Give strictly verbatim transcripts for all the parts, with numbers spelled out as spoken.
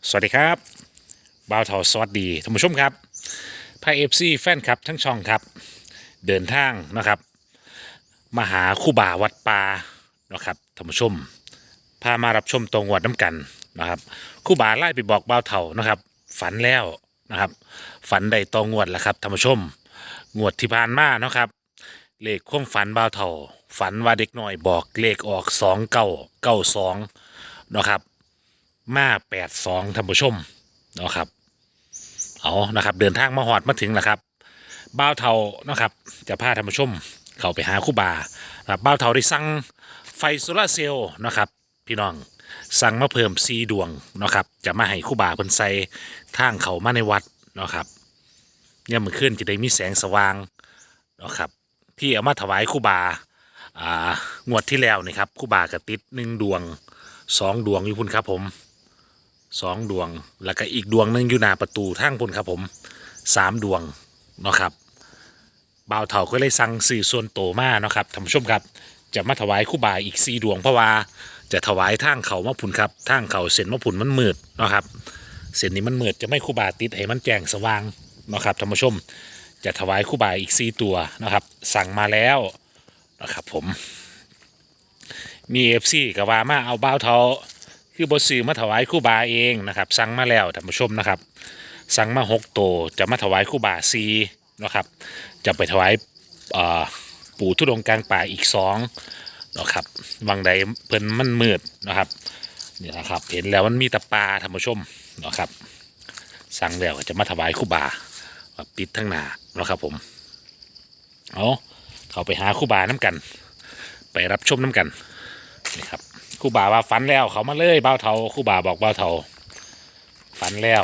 สวัสดีครับบ่าวเถาสวัสดีท่านผู้ชมครับพายเอฟซีแฟนครับทั้งช่องครับเดินทางนะครับมาหาคู่บ่าวัดป่านะครับท่านผู้ชมพามารับชมตรงวัดน้ำกันนะครับคู่บ่าไล่ไปบอกบ่าวเถานะครับฝันแล้วนะครับฝันได้ตองวดแล้วครับท่านผู้ชมงวดที่ผ่านมาเนาะครับเลขความฝันบ่าวเถาฝันว่าเด็กน้อยบอกเลขออกสองเก้าเก้าสองนะครับมาแปดสองท่านผู้ชมเนาะครับเอานะครับเดินทางมาหอดมาถึงแล้วครับบ่าวเทานะครับจะพาท่านผู้ชมเข้าไปหาครู่บาครับบ่าวเทาได้สั่งไฟโซลาร์เซลล์นะครับพี่น้องสั่งมาเพิ่มสีดวงนะครับจะมาให้ครู่บาเพิ่นใส่ทางเขามาในวัดเนาะครับเนี่ยามมันขึ้นจะได้มีแสงสว่างเนาะครับที่เอามาถวายครู่บาอ่างวดที่แล้วนี่ครับครู่บากระติดหนึ่งดวงสองดวงอยู่พุ่นครับผมสองดวงแล้วก็อีกดวงหนึงอยู่หน้าประตูทางพุ่นครับผมสามดวงเนาะครับบ่าวเฒ่าก็เลยสั่งสื่อส่วนโตมาเนาะครับท่านผู้ชมครับจะมาถวายครู่บาอีกสี่ดวงเพราะว่าจะถวายทางเขามาพุ่นครับทางเขาเส้นมาพุ่นมันมืดเนาะครับเส้นนี้มันมืดจะไม่ครู่บาติดให้มันแจ้งสว่างเนาะครับท่านผู้ชมจะถวายครู่บาอีกสี่ตัวนะครับสั่งมาแล้วนะครับผมมีเอฟซีกับว่ามาเอาบ่าวเฒ่าคือบซื้อมาถวายครู่บาเองนะครับสั่งมาแล้วท่านผู้ชมนะครับสั่งมาหกตัวจะมาถวายครู่บาซีนะครับจะไปถวายปู่ทุดงค์กลางป่าอีกสองนะครับวังใดเพิ่นมันมืดนะครับนี่นะครับเห็นแล้วมันมีตะปาท่านผู้ชมนะครับสั่งแล้วจะมาถวายครู่บาปิดทั้งหน้านะครับผมเอาเขาไปหาครู่บาน้ำกันไปรับชมน้ำกันนี่ครับครู่บาว่าฝันแล้วเขามาเลยบ่าวเฒ่าครู่บาบอกบ่าวเฒ่าฝันแล้ว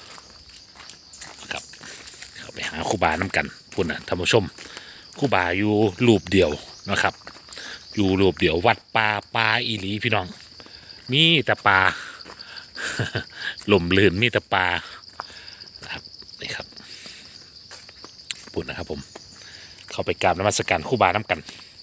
ครับเขาไปหาครู่บาน้ำกันพูดนะท่านผู้ชมครู่บาอยู่รูปเดียวนะครับอยู่รูปเดียววัดป่าป่าอีหลีพี่น้องมีแต่ป่า หล่มลื่นมีแต่ป่านะครับนี่ครับพูดนะครับผมเข้าไปกราบนมัสการครู่บาน้ำกัน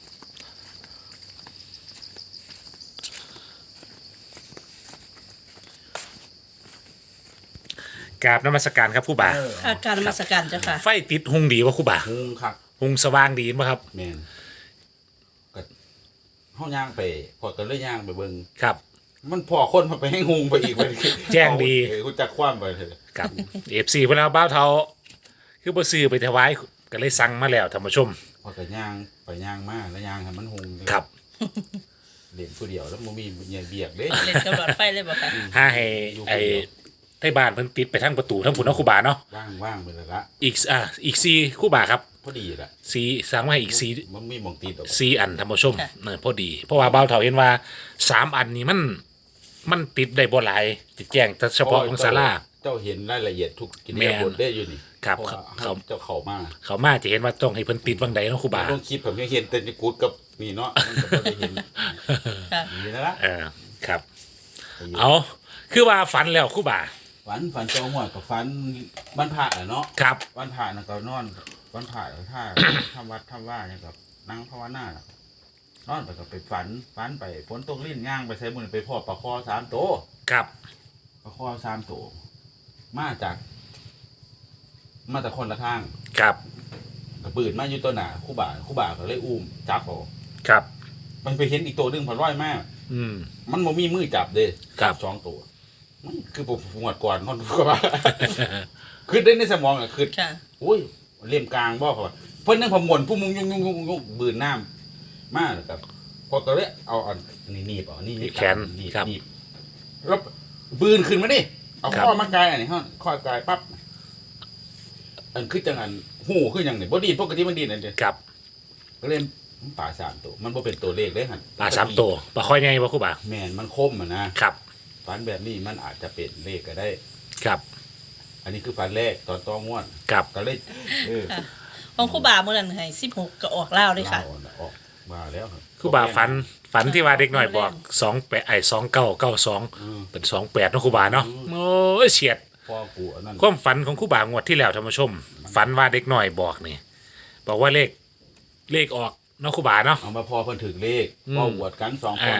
กราบนมัสการครับครู่บาอาการนมาสการเจ้าค่ะไฟติดหุงดีวะครู่บาหุงครับหุงสว่างดีมั้ยครับแมนก็ห้องย่างไปพอกันเลยย่างไปเบิ่งครับมันพอคนมาไปให้หุงไปอีกไปแจ้งดีเออกูจักคว้ามไปเถอะครับ เอฟซีเพิ่นเอาบ้าวเทาคือบ่ซื้อไปถวายก็เลยสั่งมาแล้วท่านผู้ชมพอกันย่างไปย่างมาแล้วย่างให้มันหุงครับเล่นผู้เดียวแล้วบ่มีเงียเบียกเด้เล่นกับหลอดไฟเลยบอกค่ะถ้าให้ไอ้ไทบ้านเพิ่นติดไปทางประตูทางพุ่นเนาะครู่บาเนาะว่างว่างไปแล้วละอีกอ่าอีกสี่ครู่บาครับพอดีละสี่สั่งมาให้อีกสี่มันมีหมองตีดอกสี่อันท่านผู้ชมเออพอดี เพราะว่าบ้าวเฒ่าเห็นว่าสามอันนี้มันมันติดได้บ่หลายติดแจ้งแต่เฉพาะของศาลาเจ้าเห็นรายละเอียดทุกกิจแม่กรรมนบทได้อยู่นี่ครับเพาะว่าเขาเจ้าเข้ามาเขามาจะเห็นว่าต้องให้เพิ่นติดวังใดเนาะครู่บาต้องคิดผมยังเห็นแต่ในกูดกับนี่เนาะมันก็บ่ได้เห็นค่ะนี่นะละเออครับ เอาคือว่าฝันแล้วครู่บาฝันฝันเจ้าหัวกับฝันวันพระอะเนาะครับวันผ่านนะก็นอนวันผ่านถ้า ทำวัดทำว่าเนี่ยกับนั่งภาวนาน่ะนอนไปก็ไปฝันฝันไปฝนตกลิ้นย่างไปใช้มือไปพ่อปลาคอสามตัวครับปลาคอสามตัวมาจาก มาจากคนละทางครับกระปืนมาอยู่ตัวหนาคู่บ่าคู่บ่าก็เลยอุ้มจับเอาครับมันไปเห็นอีกตัวหนึ่งผ่านร้อยมากอืมมันบ่มีมือจับเด้ครับสองตัวมันคือผมหวดก่อนนอนก็ว่า คือได้ในสมองอ่ะคือค่ะอุ้ยเลี่ยมกลางบ่เขาว่าเพิ่นนั่งพมวนผู้มุงยุ่งยุ่งยุ่งยุ่งบืนน้ำมาแล้วกับพอก็เลยเอาอันนี้หนีบเอานี่แขนหนีบครับหนีบแล้วบืนขึ้นมาดิเอาครับข้อมากายอันนี้ฮะข้อกายปั๊บอันคือจังอันหูคืออย่างนี้บ่ดีปกติมันดีนั่นเด้ครับก็เลยมันป่าสามตัวมันบ่เป็นตัวเลขเลยหั่นปลาสามตัวปลาค่อยไงวะครู่บาแม่นมันคมอ่ะนะครับ ฝันแบบนี้มันอาจจะเป็นเลขก็ได้ครับอันนี้คือฝันแรกตอนต้องม่วนครับก็เลยเออค่ะของครู่บาเมื่อนั้นให้สิบหกก็ออกเล่าวเลยค่ะเล่าออกมาแล้วครับครู่บาฝันฝันที่ว่าเด็กหน่อยบอกสองแปดไอ้สองเก้าเก้าสองอืมเป็นสองแปดเนาะครู่บาเนาะโอ้ยเฉียดพ่อกูอันนั้นความฝันของครู่บางวดที่แล้วท่านผู้ชม ฝันว่าเด็กหน่อยบอกนี่บอกว่าเลขเลขออกเนาะครู่บาเนาะเอามาพอเพิ่นถึงเลขอืมพ่อหวดกันสองคอ่าน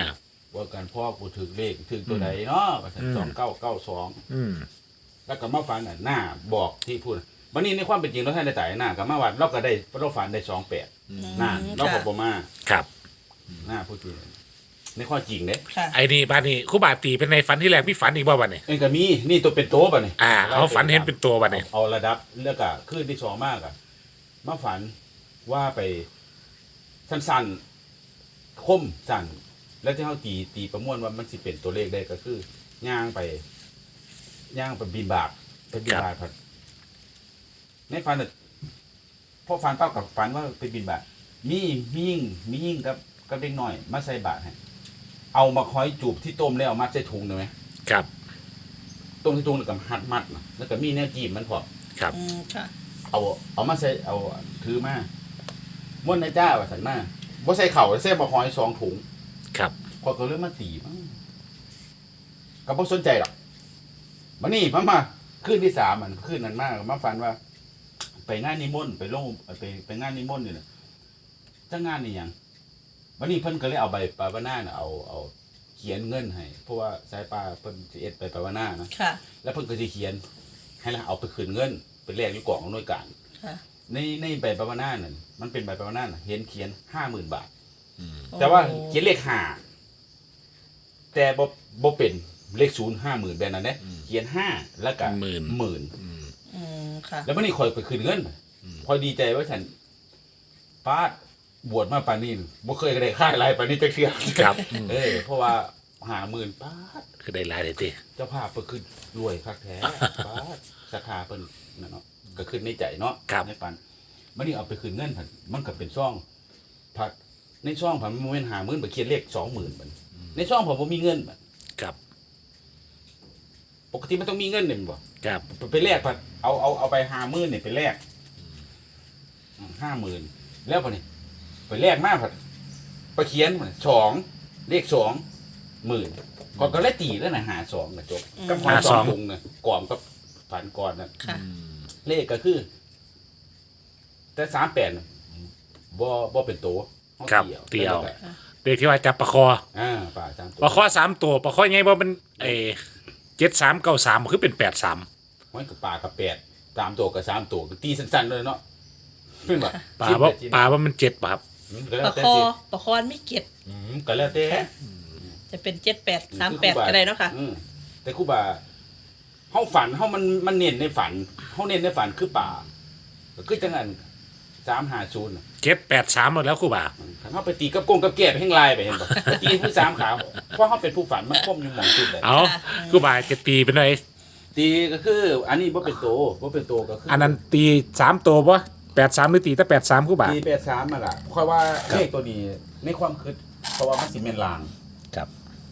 ว่ากันพ่อกูถึงเลขถึงตัวใดเนาะว่าซั่นสองเก้าเก้าสองอืมแล้วก็มาฝันน่ะหน้าบอกที่พูดวันนี้ในความเป็นจริงเราท่านได้ตายหน้ากับมาวัดเราก็ได้เราฝันได้สองแปดหน้าเราก็บ่มาครับหน้าพูดจริงในข้อจริงเด้ค่ะไอ้นี่บ้านนี้ครู่บาตีเป็นในฝันที่แรกพี่ฝันอีกบ่วันนี้เอ็นก็มีนี่ตัวเป็นโต๊ะป่ะนี่อ่าเขาฝันเห็นเป็นตัววันนี้เอาระดับแล้วก็ขึ้นที่สองมากอะมาฝันว่าไปสั้นๆคมสั้นแล้วที่เขาตีตีประมวลว่ามันสิเป็นตัวเลขได้ก็คือย่างไปย่างไปบินบาปไปบินบาปครับในฝันน่ะพอฝันเป้ากับฝันว่าไปบินบาปมีมียิ่งมียิ่งกับกับเด็กน้อยมาใส่บาตรให้เอามาคอยจูบที่ต้มแล้วเอามาใส่ถุงได้ไหมครับต้มที่ถุงแล้วก็หัดมัดนะแล้วก็มีแนวจีบมันพอครับอืมค่ะเอาเอามาใส่เอาถือมาม้วนในจ้าว่าสันมาบ่ใส่เข่าใส่บะหอยสองถุงครับพอก็เริ่มมาตีมั้งก็บ่สนใจหรอกมานี่มามาคืนที่สามมันคืนนั้นมากมาฝันว่า ไปงานนิมนต์ไปลงไปไปงานนิมนต์นี่น่ะจ้างงานนี่หยังวันนี้เพิ่นก็เลยเอาใบปาวนาน่ะเอาเอาเขียนเงินให้เพราะว่าสายปลาเพิ่นสิเอ็ดใบปาวนานะค่ะแล้วเพิ่นก็สิเขียน ให้เราเอาไปคืนเงินเป็นแลกอยู่กล่องหน่วยการค่ะในในใบปาวนานั่นมันเป็นใบปาวนาน่ะเห็นเขียนห้าหมื่นบาทอืมแต่ว่าโอ้เขียนเลขห้าแต่บ่บ่เป็นเลขศูนย์ห้าหมื่นแบบนั้นเด้เขียนห้าแล้วก็หมื่นหมื่นอืมอืมค่ะแล้ววันนี้คอยไปคืนเงินคอยดีใจว่าฉันป้าดบวชมาปานนี้บ่เคยได้ค่ายอะไรปานนี้จักเทื่อครับเออเพราะว่าห้าหมื่นป้าดคือได้หลายเลยติเจ้าภาพเพิ่นคือรวยคักแท้ป้าดสาขาเพิ่นนั่นเนาะก็ขึ้นในใจเนาะในปันวันนี้เอาไปคืนเงินผันมันก็เป็นซ่องผัดในซ่องผันมันบ่แม่นห้าหมื่นไปเขียนเลขสองหมื่นบัดในซ่องผมบ่มีเงินบัดครับปกติมันต้องมีเงินนี่แม่นบ่ครับไปแลกผัดเอาเอาเอาไปห้าหมื่นนี่ไปแลกห้าหมื่นแล้วปะนี่ไปแลกมาผัดไปเขียนสองเลขสองหมื่นก่อนก็เลยตีแล้วนะหาสองนะจบกับหาสองถุงนะก่อนกับฝันก่อนนะค่ะเลขก็คือ แต่สามแปดบ่บ่เป็นตัวอาครับอาเตียวแล้วก็เด็กที่ว่าจับปลาคออ่าป่าสามตัวปลาคอสามตัวปลาคอยังไงบ่เป็นเอเจ็ดสามเก้าสามคือเป็นแปดสามไว้กับป่ากับแปดสามตัวกับสามตัวก็ตีสั้นๆเลยเนาะเป็นแบบปลาว่าปลาว่ามันเจ็ดป่ะครับก็แล้ปวระแต่คอสิประคอนไม่เก็บอืมก็แล้วแต่จะเป็นเจ็ดแปดสามแปดก็ได้เนาะค่ะอืมแต่ครูบาเฮาฝันเฮามันมันเน้นในฝันเฮาเน้นในฝันคือป่าก็คือจังนั้นสามห้าศูนย์น่ะเจ็ดแปดสามหมดแล้วครู่บ่าคันเฮาไปตีกับกงกับแก้ไปแห่งลายไปเห็นบ่ไปตีผู้สามขาวเพราะเฮาเป็นผู้ฝันมันคมอยู่หม่องจุดเลยเอาครู่บ่าจะตีเป็นไรตีก็คือ อันนี้บ่เป็นโตบ่เป็นโตก็คืออันนั้นตีสามตัวปะแปดสามหรือตีแต่แปดสามครู่บ่าตีแปดสามมาล่ะค่อยว่าเลขตัวนี้ในความคิดเพราะว่ามันสิแม่นลางครับ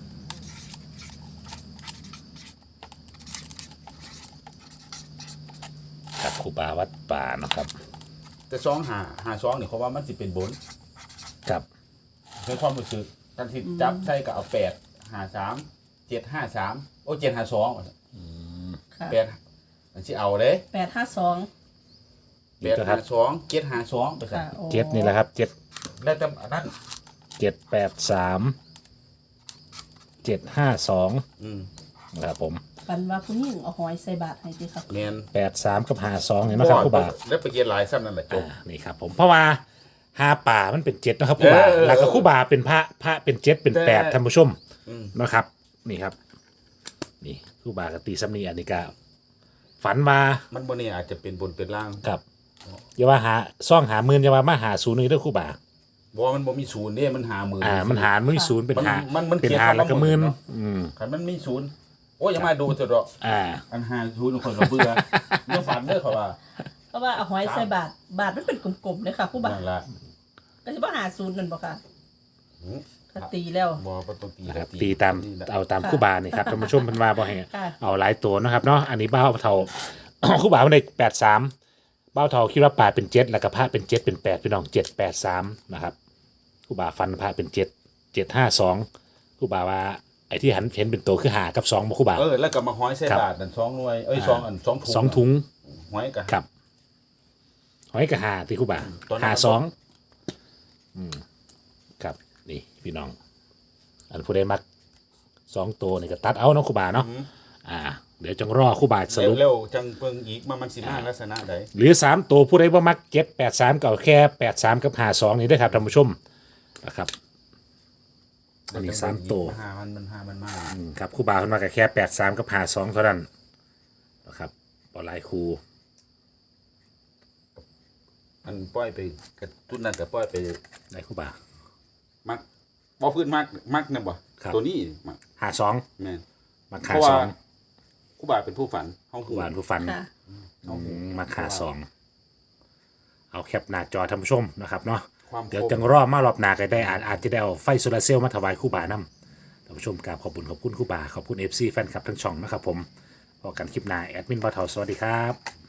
ครับครูบาวัดป่าเนาะครับแต่สองหาหาสองนี่เขาว่ามันสิเป็นบนครับในความรู้สึกกันที่จับใส่ก็เอาแปดห้าสามเจ็ดห้าสามโอ้เจ็ดห้าสองค่ะแปดอันที่เอาเลยแปดห้าสองแปดห้าสองเจ็ดห้าสองไปสั่ค่ะโอ้เจ็ดนี่แหละครับเจ็ดแล้วแต่อันนั้นเจ็ดแปดสามเจ็ดห้าสองอืมนะครับผมปันว่าผู้หญิงเอาหอยใส่บาตรให้ดีครับเมนแปดสามกับห้าสองเห็นไหมครับครูบาแล้วไปเกียนหลายซ้ำนั่นแหละจบอ่านี่ครับผมเพราะว่าหาป่ามันเป็นเจ็ดนะครับครูบาเออเออแล้วก็ครูบาเป็นพระพระเป็นเจ็ดเป็นแปดแต่ท่านผู้ชมอืมนะครับ นี่ครับ นี่ครูบากตีซัมนีอันนี้ก็ฝันมามันบนนี่อาจจะเป็นบนเป็นล่างกับอย่าว่าหาซ่องหาหมื่นอย่าว่ามาหาศูนย์นี่เด้วยครูบาบอกว่ามันบ่มีศูนย์เนี่ยมันหาหมื่นอ่า มันหารไม่ศูนย์เป็นหามันมันเป็นเขียนหาคำว่าแล้วก็หมื่นหมื่นเนาะอืมคันมันมีศูนย์โอ้ยอย่ามาดูเถอะดอกอ่าอันหาศูนย์คนก็เบื่อเมื่อฝันเด้อเขาว่าเพราะว่าเอาหอยใส่บาตรบาตรมันเป็นกลมๆเลยค่ะผู้บานั่นละก็จะว่าหาศูนย์นั่นบ่ค่ะอืมถ้าตีแล้วบ่บ่ต้องตีนะครับก็ตีตามนี่แหละเอาตามครูบานี่ครับท่านผู้ชมเพันว่าบ่ให้ค่ะเอาหลายตัวนะครับเนาะอันนี้เบ้าเท่า ครูบาเป็นแปดสามเบ้าเท่าคิดว่าป่าเป็นเจ็ดแล้วก็พระเป็นเจ็ดเป็นแปดพี่น้องเจ็ดแปดสามนะครับครูบาฟันพระเป็นเจ็ดเจ็ดห้าสองครูบาว่าไอ้ที่หันเห็นเป็นตัวคือหากับสองบ่ครูบาเออแล้วก็มาห้อยใส่ครับบาทนั่นสองหน่วยเอ้ยสองอันสองถุงสองถุงห้อยก็ครับหอยกับหาที่ครูบาตอนนั้นหาสองอืมครับนี่พี่น้อง อันผู้ใดมักสองตัวนี่ก็ตัดเอาเนาะครูบาเนาะอ่า เดี๋ยวจังรอครูบาสรุปเร็วๆจังเปิงอีกมามันสิมาลักษณะใดหรือสามตัวผู้ใดว่ามักเจ็ดแปดสามเก่าแค่แปดสามกับหาสองนี่ด้วยครับท่านผู้ชมนะครับ อันนี้สามตัวหามันมันหามันมาอืมครับครูบาขึ้นมากับแค่แปดสามกับหาสองเท่านั้นนะครับบอลายครูอันปล่อยไปกระตุ้นนั่นก็ปล่อยไปได้ครูบามักบ่พื้นมักมักนั่นบ่ครับตัวนี้มักหาสองแม่นมักเพหาราะสว่าองครูบาเป็นผู้ฝันเฮาครูบาผู้ฟันค่ะอืมมักหาสองเอาแคปหน้าจอท่านผู้ชมนะครับเนาะความเดี๋ยวคมจังรอมารอบหน้าก็ได้อาจอาจจะได้เอาไฟโซลาร์เซลล์มาถวายครูบานำท่านผู้ชมกราบขอบคุณขอบคุณครูบาขอบคุณเอฟซีแฟนคลับทั้งช่องนะครับผมพอกันคลิปหน้าแอดมินบ่าวเฒ่าสวัสดีครับ